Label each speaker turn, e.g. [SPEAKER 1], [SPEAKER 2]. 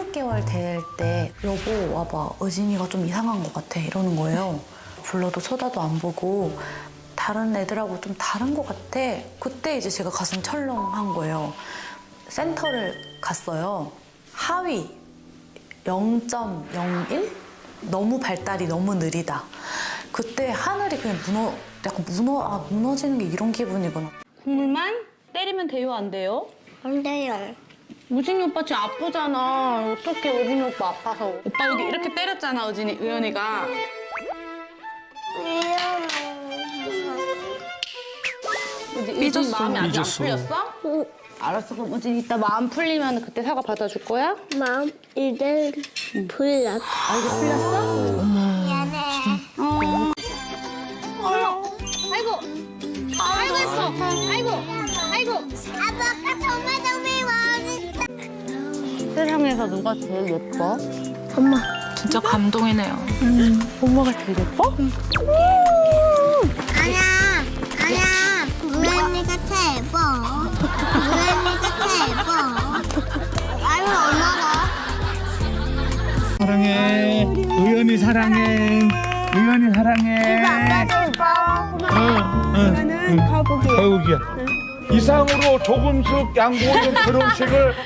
[SPEAKER 1] 3개월 될 때 여보 와봐, 의진이가 좀 이상한 것 같아 이러는 거예요. 불러도 쳐다도 안 보고 다른 애들하고 좀 다른 것 같아. 그때 이제 제가 가슴 철렁한 거예요. 센터를 갔어요. 하위 0.01? 너무 발달이 너무 느리다. 그때 하늘이 그냥 약간 무너지는 게 이런 기분이구나.
[SPEAKER 2] 국물만 때리면 돼요, 안 돼요?
[SPEAKER 3] 안 돼요.
[SPEAKER 2] 우진이 오빠 지금 아프잖아. 어떡해, 우진이 오빠 아파서. 오빠 여기 이렇게 때렸잖아, 의연이가. 우진이 마음이 아직 안 풀렸어?
[SPEAKER 3] 응.
[SPEAKER 2] 알았어, 그럼 우진이 이따 마음 풀리면 그때 사과 받아줄 거야?
[SPEAKER 3] 마음 이제 풀렸어.
[SPEAKER 2] 아, 이제 풀렸어?
[SPEAKER 3] 미안해.
[SPEAKER 2] 아이고! 아이고, 했어! 아이고! 아이고!
[SPEAKER 3] 아빠가 정말 마음이
[SPEAKER 2] 세상에서 누가 제일 예뻐?
[SPEAKER 3] 엄마.
[SPEAKER 1] 진짜 감동이네요.
[SPEAKER 2] 엄마가 제일 예뻐?
[SPEAKER 3] 아니야. 우연이가 최고. 아유 엄마가.
[SPEAKER 4] 사랑해. 의연이 사랑해. 의연이 사랑해.
[SPEAKER 3] 이거는 거북이.
[SPEAKER 4] 거북이야. 이상으로 조금씩 양보하는 결혼식을